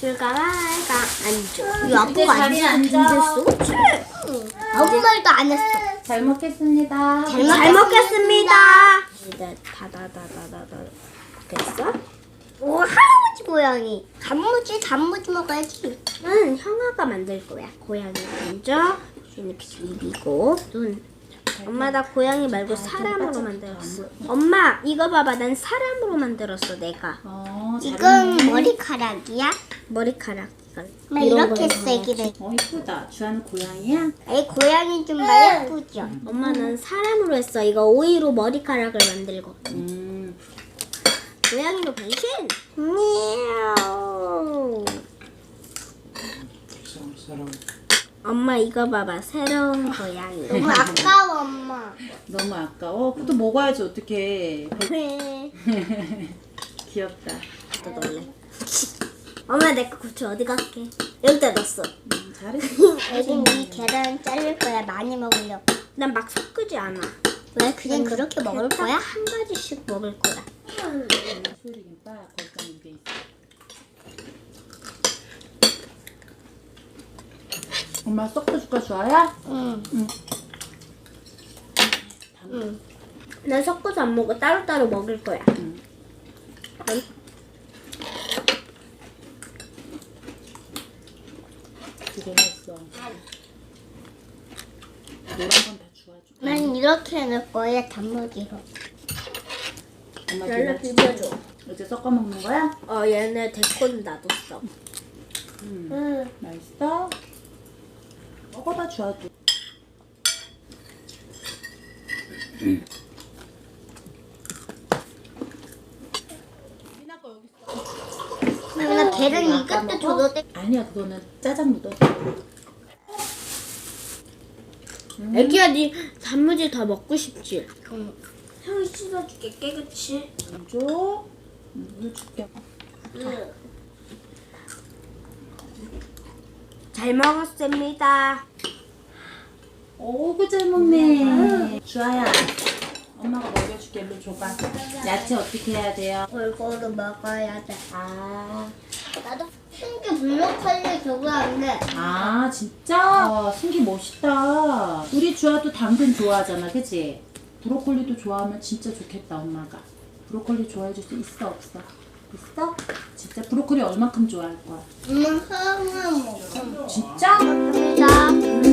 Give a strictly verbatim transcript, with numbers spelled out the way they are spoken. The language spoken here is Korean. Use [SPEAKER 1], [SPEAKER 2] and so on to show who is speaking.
[SPEAKER 1] 줄까 말까 앉아.
[SPEAKER 2] 이 아빠가 안
[SPEAKER 1] 앉았어?
[SPEAKER 2] 아무 말도 안 했어.
[SPEAKER 3] 잘 먹겠습니다.
[SPEAKER 1] 잘, 잘 먹겠습니다. 이제 다다다다다다. 됐어?
[SPEAKER 2] 오, 할아버지 고양이. 단무지, 단무지 먹어야지.
[SPEAKER 1] 응, 형아가 만들 거야. 고양이 먼저 이렇게 비비고 눈. 엄마 나 고양이 말고 사람으로 만들었어. 엄마 이거 봐봐, 난 사람으로 만들었어 내가.
[SPEAKER 3] 어,
[SPEAKER 2] 이건
[SPEAKER 3] 잘했네.
[SPEAKER 2] 머리카락이야?
[SPEAKER 1] 머리카락 이건.
[SPEAKER 2] 막
[SPEAKER 1] 이런
[SPEAKER 2] 이렇게
[SPEAKER 1] 거는
[SPEAKER 2] 세기를.
[SPEAKER 3] 어, 이쁘다. 주아는 고양이야?
[SPEAKER 2] 이 고양이 좀 많이 예쁘죠?
[SPEAKER 1] 엄마 난 사람으로 했어. 이거 오이로 머리카락을 만들고.
[SPEAKER 3] 음.
[SPEAKER 1] 고양이로 변신. 미야오.
[SPEAKER 4] 사람
[SPEAKER 1] 엄마 이거 봐봐, 새로운 고양이.
[SPEAKER 2] 너무 아까워, 엄마.
[SPEAKER 3] 너무 아까워. 그것도 먹어야지 어떡해.
[SPEAKER 1] 그래.
[SPEAKER 3] 귀엽다.
[SPEAKER 1] 또 놀래. 엄마 내 거 고추 어디 갈게? 여기다 넣었어.
[SPEAKER 3] 음, 잘했어.
[SPEAKER 2] 애긴 이 계란 자를 거야. 많이 먹으려고.
[SPEAKER 1] 난 막 섞지 않아.
[SPEAKER 2] 왜 그냥 그렇게 먹을
[SPEAKER 1] 딱
[SPEAKER 2] 거야?
[SPEAKER 1] 한 가지씩 먹을 거야.
[SPEAKER 3] 소리김밥 거기다 이게 있어. 엄마 섞어줄까 주아야?
[SPEAKER 2] 응.
[SPEAKER 3] 응.
[SPEAKER 2] 응.
[SPEAKER 1] 난 섞어서 안 먹어. 따로따로 먹을 거야.
[SPEAKER 3] 응.
[SPEAKER 1] 그럼
[SPEAKER 3] 고생했어. 노란 건 다 주아줘.
[SPEAKER 2] 난 이렇게 넣을 거야. 단무지로.
[SPEAKER 3] 엄마
[SPEAKER 1] 열로
[SPEAKER 3] 뒤로
[SPEAKER 1] 비벼줘.
[SPEAKER 3] 이제 섞어 먹는 거야?
[SPEAKER 1] 어 얘네 데코는 놔뒀어.
[SPEAKER 3] 음.
[SPEAKER 2] 응.
[SPEAKER 3] 맛있어? 먹어봐 주아도. 미나 거 여기 있어.
[SPEAKER 2] 나 계란
[SPEAKER 3] 이거 아까
[SPEAKER 2] 이것도
[SPEAKER 3] 먹어?
[SPEAKER 2] 줘도 돼?
[SPEAKER 3] 아니야 그거는 짜장 묻어.
[SPEAKER 1] 애기야 네 단무지 더 먹고 싶지?
[SPEAKER 2] 응.
[SPEAKER 1] 형이 씻어줄게 깨끗이.
[SPEAKER 3] 물 줘. 음, 물 줄게.
[SPEAKER 1] 잘 먹었습니다.
[SPEAKER 3] 오구 잘 먹네. 주아야, 엄마가 먹여줄게. 일로 줘봐. 야채 어떻게 해야 돼요?
[SPEAKER 2] 골고루 먹어야 돼.
[SPEAKER 3] 아,
[SPEAKER 2] 나도 신기 블로콜리 저거 안 돼.
[SPEAKER 3] 아 진짜? 어, 승기 멋있다. 우리 주아도 당근 좋아하잖아, 그치? 브로콜리도 좋아하면 진짜 좋겠다, 엄마가. 브로콜리 좋아해줄 수 있어, 없어? 있어? 진짜 브로콜리 얼만큼 좋아할 거야?
[SPEAKER 2] 엄마 하나만 먹어.
[SPEAKER 3] 진짜?
[SPEAKER 2] 감사합니다.